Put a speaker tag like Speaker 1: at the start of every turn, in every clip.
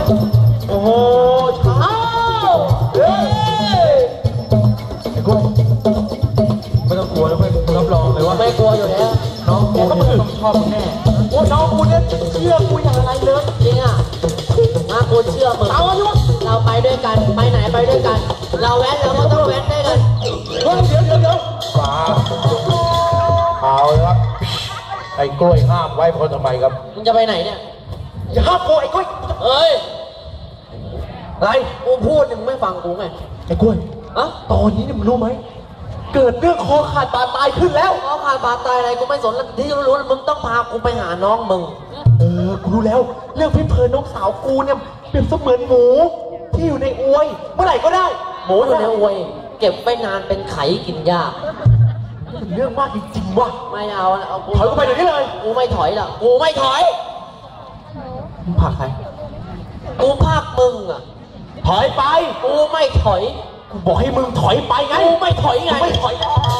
Speaker 1: โอ้โหช้าเฮ้ยไอ้กุ้งไม่ต้องกลัวแล้วเพื่อนรับรองเลยว่าไม่กลัวอยู่แล้วน้องกูเนี่ยต้องชอบมึงแน่โอ้น้องกูเนี่ยเชื่อกูอย่างไรเลยจริงอ่ะมากูเชื่อมึงเอาใช่ไหมเราไปด้วยกันไปไหนไปด้วยกันเราแว้นเราก็ต้องแว้นด้วยกันเดี๋ยวฟ้าเอาเลยครับไอ้กล้วยห้ามไว้คนทำไมครับมึงจะไปไหนเนี่ยอย่าห้ามกูไอ้กล้วยเอ้ยอะไรกูพูดมึงไม่ฟังกูไงไอ้กล้วยอะตอนนี้เนี่ยมึงรู้ไหมเกิดเรื่องคอขาดบาดตายขึ้นแล้วคอขาดบาดตายอะไรกูไม่สนแล้วที่รู้มึงต้องพากูไปหาน้องมึงกูรู้แล้วเรื่องพี่เพลินน้องสาวกูเนี่ยเปรียบเสมือนหมูที่อยู่ในอวยเมื่อไหร่ก็ได้หมูอยู่ในอวยเก็บไปนานเป็นไข่กินยากเป็นเรื่องมากจริงๆว่ะไม่เอากูถอยกูไปเดี๋ยวนี้เลยกูไม่ถอยหรอกกูไม่ถอยมึงผลักใครกูผลักมึงอ่ะถอยไปกูไม่ถอยกูบอกให้มึงถอยไปไงกูไม่ถอยไงไม่ถอย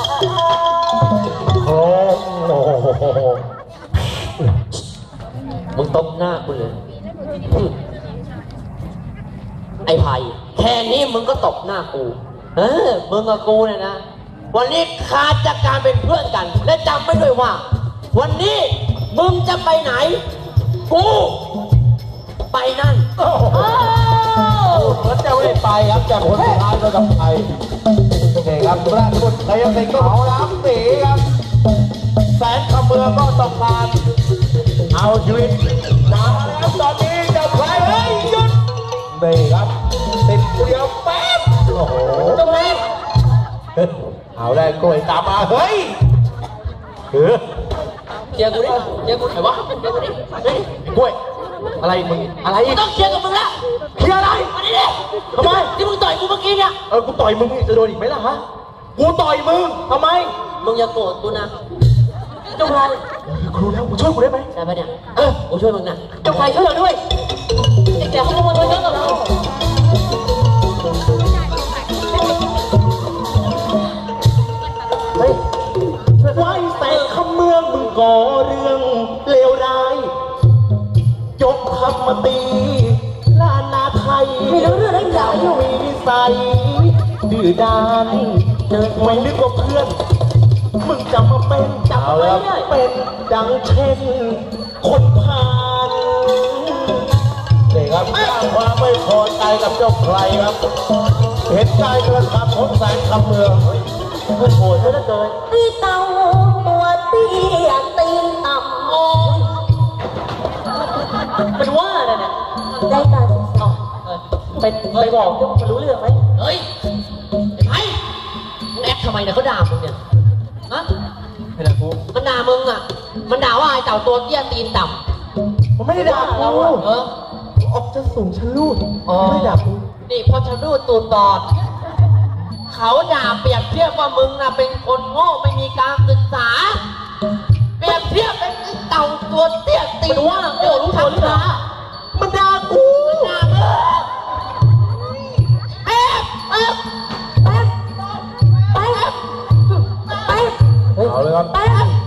Speaker 1: โอ้โหมึงตบหน้ากูเลยไอ้ไผ่แค่นี้มึงก็ตบหน้ากูมึงกับกูเนี่ยนะวันนี้ขาดจากการเป็นเพื่อนกันและจำไม่ด้วยว่าวันนี้มึงจะไปไหนกูไปนั่นแล้วจะไม่ไปครับจากคนสุดท้ายก็ต้องไปโอเคครับราชบุตรเขายังเป็นเขาล้างสีครับแสนขมือก็ต้องการเอาชีวิตมาแล้วตอนนี้จะไปเฮ้ยหยุดนี่ครับติดเดียวแป๊บโอ้โหตรงนี้เอาได้กล้วยตามมาเฮ้ยเชียร์กูดิเชียร์กูไหนวะเชียร์กูดิเฮ้ยกล้วยอะไรมึงอะไรต้องเชียร์กับมึงละเชียร์อะไรมาดิทำไมที่มึงต่อยกูเมื่อกี้เนี่ยกูต่อยมึงจะโดนอีกไหมล่ะฮะกูต่อยมึงทำไมมึงอย่าโกรธกูนะเจ้าชายครูแล้วมึงช่วยกูได้ไหมได้ปะเนี่ยกูช่วยมึงนะเจ้าชายช่วยเราด้วยไอ้แกเขามาเยอะกับเราเฮ้ยไว้แต่คำเมืองมึงก่อเรื่องเลวร้ายยกทัพมาตีล้านนาไทยไม่รู้เรื่องอะไรอย่างมีนิสัยดื้อด้านไม่นึกว่าเพื่อนมึงจะมาเป็นจับอะไรเนี่ยเป็นดังเช่นคนผ่านนี่ครับสร้างความไม่พอใจกับเจ้าใครครับเห็นใจกระทำของแสนคำเมืองมันโหดซะเหลือเกินตีเต่าตัวเตี้ยตีนต่ำโอ้มันว่าอะไรเนี่ยได้ตาไปบอกเจ้ามันรู้เรื่องไหมเฮ้ยไอ้มึงแอคทำไมเนี่ยเขาด่ามึงเนี่ยฮะไม่ด่ากูมันด่ามึงอ่ะมันด่าว่าไอ้เต่าตัวเตี้ยตีนต่ำมันไม่ได้ด่าเราออกจะสูงชะลูดไม่ด่ากูนี่พอชะลูดตูดบอดเขาด่าเปรียบเทียบว่ามึงน่ะเป็นคนโง่ไม่มีการศึกษาเปรียบเทียบเป็นเต่าตัวเตี้ยตีนว่าโง่รู้ทันหามันด่ากูมันด่ามึงเอาเลยครับ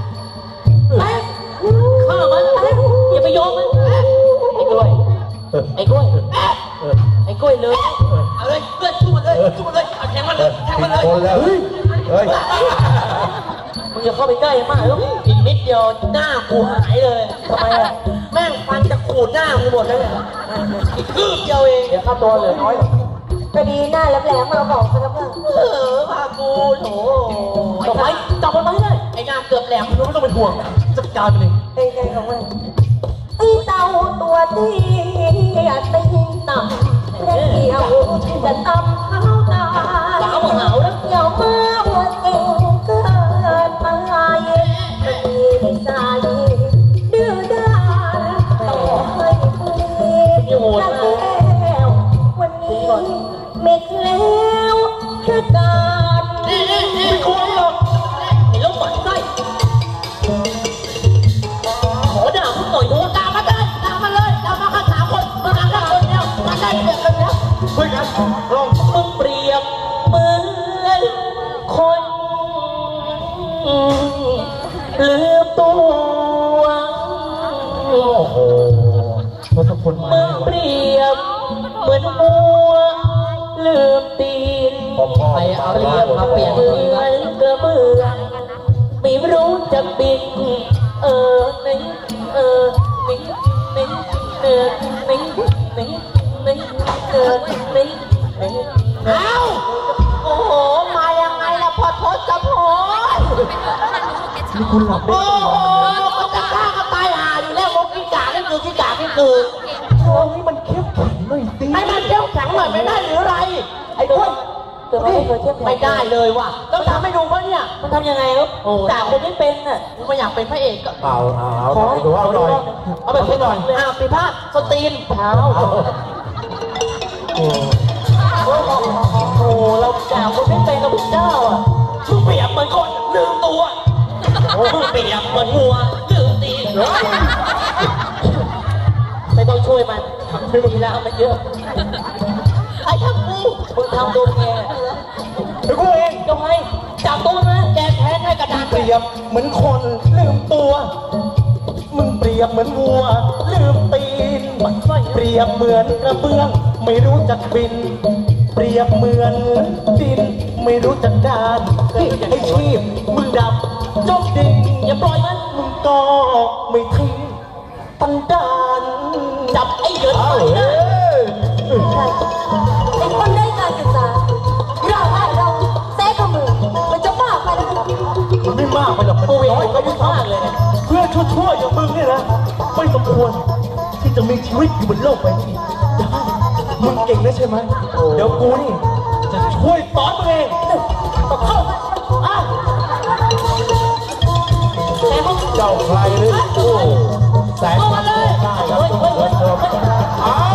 Speaker 1: ข้ามันอย่าไปโยงมันไอ้กล้วยไอ้กล้วยไอ้กล้วยเลยเอาเลยเพื่อนสู้มันเลยสู้มันเลยแทงมันเลยแทงมันเลยเฮ้ยมึงอย่าเข้าไปใกล้มากแล้วอีกนิดเดียวหน้ากูหายเลยทำไมอ่ะแม่งฟันจะขูดหน้ากูหมดเลยอีกคืบเดียวเองเดี๋ยวข้าตัวเหลือน้อยพอดีหน้าแหลมๆเราบอกกันแล้วเพื่อนพากูโถจับไว้จับมันไว้เลยไอ้หน้าเกือบแหลมไม่ต้องเป็นห่วงจัดการไปเลยไอ้ใจของมันไอ้เต่าตัวที่ตีนต่ำและเกี่ยวจะตำเท้าตาสาวเหงาแล้วเกี่ยวมาหัวเก่งเกินไปไม่มีใจดื้อด้านต่อให้คุยแล้ววันนี้ไม่เคล้วแค่การไม่ควรหรอกไอ้ลูกหมันไส้ขอด่าคุณหน่อยดูด่ามาได้ด่ามาเลยด่ามาข้า3 คนมาด่าข้าคนเดียวมาได้เดียวกันแล้วคุยกันลองมึงเปรียบเหมือนคนลืมตัวโอ้โหทศพลมึงเปรียบ
Speaker 2: มือนมัวลืมตีนไปเอาเรียบมาเปลี่ยนเหมือนกระเบื้องไม่รู้จะบินนิ่งนิ่งนิ่งนิ่งนิ่งนิ่งนิ่งนิ่งนิ่งเอ้าโอ้โหมายังไงล่ะพอทศกับพล
Speaker 1: นี่คุณหลับได้
Speaker 2: โอ้โหก็จะฆ่ากันตายหาอยู่แล้วมกกิ้งก่านี่คือกิ้งก่านี่คือ
Speaker 1: โอ้ยมันเข้มแข็งหน่อยสิ
Speaker 2: ให้มันเข้มแข็งหน่อยไม่ได้หรือไรไอ้ด้วยไม่ได้เลยว่ะต้องทำให้ดูว่าเนี่ยมันทำยังไงครับแต่คนไม่เป็นน่ะไม่อยากเป็นพระเอกก็
Speaker 1: เอาดูเอาหน่อย
Speaker 2: เอาแบบนี้หน่อยปีพาดสตรีนเท้าโอ้เราด่าคนไม่เป็นเราเป็นเจ้าอ่ะมึงเปรียบเหมือนคนลืมตัวมึงเปรียบเหมือนวัวลืมตีนไม่ต้องช่วยมันไม่ดีแล้วมันเยอะไอ้ทำกูมึงทำตัวแก
Speaker 1: กูเอง
Speaker 2: ก็ให้จับตัวนะแกแพ้ให้กระดาน
Speaker 1: เปรียบเหมือนคนลืมตัวมึงเปรียบเหมือนวัวลืมตีนเปรียบเหมือนกระเบื้องไม่รู้จักบินเปรียบเหมือนดินไม่รู้จักดานไอ้ชีพมึงดับจมดิ่ง
Speaker 2: อย่าปล่อยมัน
Speaker 1: มึงก็ไม่ทิ้งตันดาน
Speaker 2: จับไอ้เหยินไปนะ
Speaker 3: ไอ้คนได้การศึกษาเราแซ่ขมือมันจะมากไปแล้ว
Speaker 1: มันไม่มากไปหรอกมันน้อยก็ไม่มากเลยเพื่อนชั่วๆอย่างมึงเนี่ยนะไม่สมควรที่จะมีชีวิตอยู่บนโลกใบนี้ได้มึงเก่งนะใช่ไหมเดี๋ยวกูนี่จะช่วยสอนมึงเองเข้าเจ้าใครหรือโอ้แสงได้ครับ